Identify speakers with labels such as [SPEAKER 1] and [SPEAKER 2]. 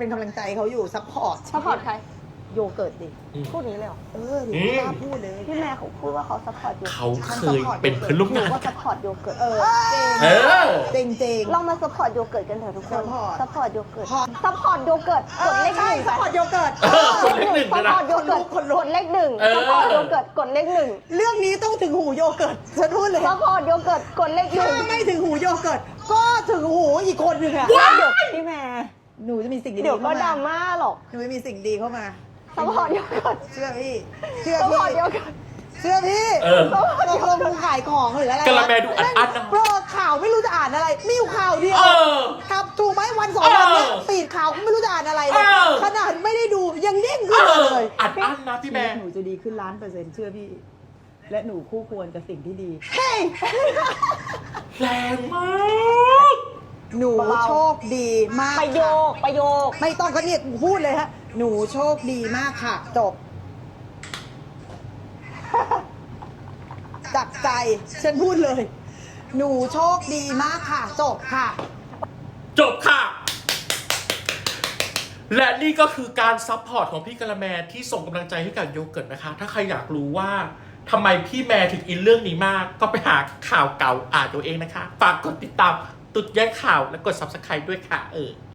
[SPEAKER 1] เป็นกำลังใจเขาอยู่ซัพพอร์ต
[SPEAKER 2] ซัพพอร์ตใคร
[SPEAKER 1] โยเกิร์ตดิ
[SPEAKER 2] พูดนี้เลยเหรอ
[SPEAKER 1] หนูกล้าพูดเลย
[SPEAKER 2] พี่แม่เขาพูดว่าเขาซัพพอร์ตโยเกิร์ต
[SPEAKER 3] เขาเคยเป็นเพื่อนร่วม
[SPEAKER 2] หนู
[SPEAKER 3] งาน
[SPEAKER 2] ก็ซัพพอร์ตโยเกิร์ต
[SPEAKER 3] เออ
[SPEAKER 1] เจ๋งเจ๋ง
[SPEAKER 2] เรามาซัพพอร์ตโยเกิร์ตกันเถอะทุกคน
[SPEAKER 1] support
[SPEAKER 2] ซัพพอร์ตโยเกิร์ต
[SPEAKER 1] พอ
[SPEAKER 2] ซัพพอร์ตโยเกิร์ตกดเลขห
[SPEAKER 1] ใช่
[SPEAKER 2] นึ่ง
[SPEAKER 1] ซัพพอร์ตโยเกิร์ต
[SPEAKER 3] กดเลขหนึ่ง
[SPEAKER 2] ซั
[SPEAKER 3] เลย
[SPEAKER 2] พ
[SPEAKER 3] นะ
[SPEAKER 2] พอร์ตโยเกิร์ต
[SPEAKER 1] คนลุก
[SPEAKER 2] กดเลขหนึ่ง
[SPEAKER 3] เออ
[SPEAKER 2] ซัพพอร์ตโยเกิร์ตกดเลขหนึ่ง
[SPEAKER 1] เรื่องนี้ต้องถึงหูโยเกิร์ตฉันพูดเลย
[SPEAKER 2] ซัพพอร์ตโยเกิร์ตกดเลขห
[SPEAKER 1] ถ้า
[SPEAKER 2] นึ่ง
[SPEAKER 1] ไม่ถึงหูโยเกิร์ตก็ถึงหูอีกคนหนึ่งอะ
[SPEAKER 2] เดี๋ยวพี่แม่
[SPEAKER 1] หนูจะมีสิ่งดีๆ
[SPEAKER 2] เดี๋ยวก็
[SPEAKER 1] เข้า
[SPEAKER 2] ดรา
[SPEAKER 1] มา
[SPEAKER 2] ม่าหรอก
[SPEAKER 1] หนูจะมีสิ่งดีเข้ามา
[SPEAKER 2] ซัพพอร์ตโยเกิร์ต
[SPEAKER 1] เชื่อพี่เชื่อ
[SPEAKER 2] ซัพพ
[SPEAKER 1] พี่
[SPEAKER 2] อร์ตโยเกิร์ต
[SPEAKER 1] เชื่อพี่
[SPEAKER 3] เออ
[SPEAKER 1] ตกลงมึงขายของหรืออะไร
[SPEAKER 3] กะละแมดูอัดๆนะ
[SPEAKER 1] โปรข่าวไม่รู้จะอ่านอะไรมีอยู่ข่าวเดียว
[SPEAKER 3] เออ
[SPEAKER 1] ครับถูกไหมวันสองวันเนี้ย
[SPEAKER 3] เออ
[SPEAKER 1] ปีดข่าวก็ไม่รู้จะอ่านอะไรเลย
[SPEAKER 3] เออ
[SPEAKER 1] ขนาดไม่ได้ดูยังเด้งขึ้นมาเลย
[SPEAKER 3] อัดอั้นนะพี่แม่
[SPEAKER 1] หนูจะดีขึ้น1,000,000%เชื่อพี่ และหนูคู่ควรกับสิ่งที่ดี
[SPEAKER 3] แรงมาก
[SPEAKER 1] หนู
[SPEAKER 2] เบาๆ
[SPEAKER 1] โชคดีมาก
[SPEAKER 2] ประโย
[SPEAKER 1] ค่ะ
[SPEAKER 2] คประโยค
[SPEAKER 1] ไม่ต้องก็เนี่ยพูดเลยฮะหนูโชคดีมากค่ะ จบ จากใจฉันพูดเลย หนูโชคดีมากค่ะ จบค่ะ
[SPEAKER 3] จบค่ะ และนี่ก็คือการซัพพอร์ตของพี่กะละแมที่ส่งกำลังใจให้กับโยเกิร์ตนะคะ ถ้าใครอยากรู้ว่าทำไมพี่แมถึงอินเรื่องนี้มาก ก็ไปหาข่าวเก่าอ่านตัวเองนะคะ ฝากกดติดตามตุดแย่งข่าวและกด subscribe ด้วยค่ะ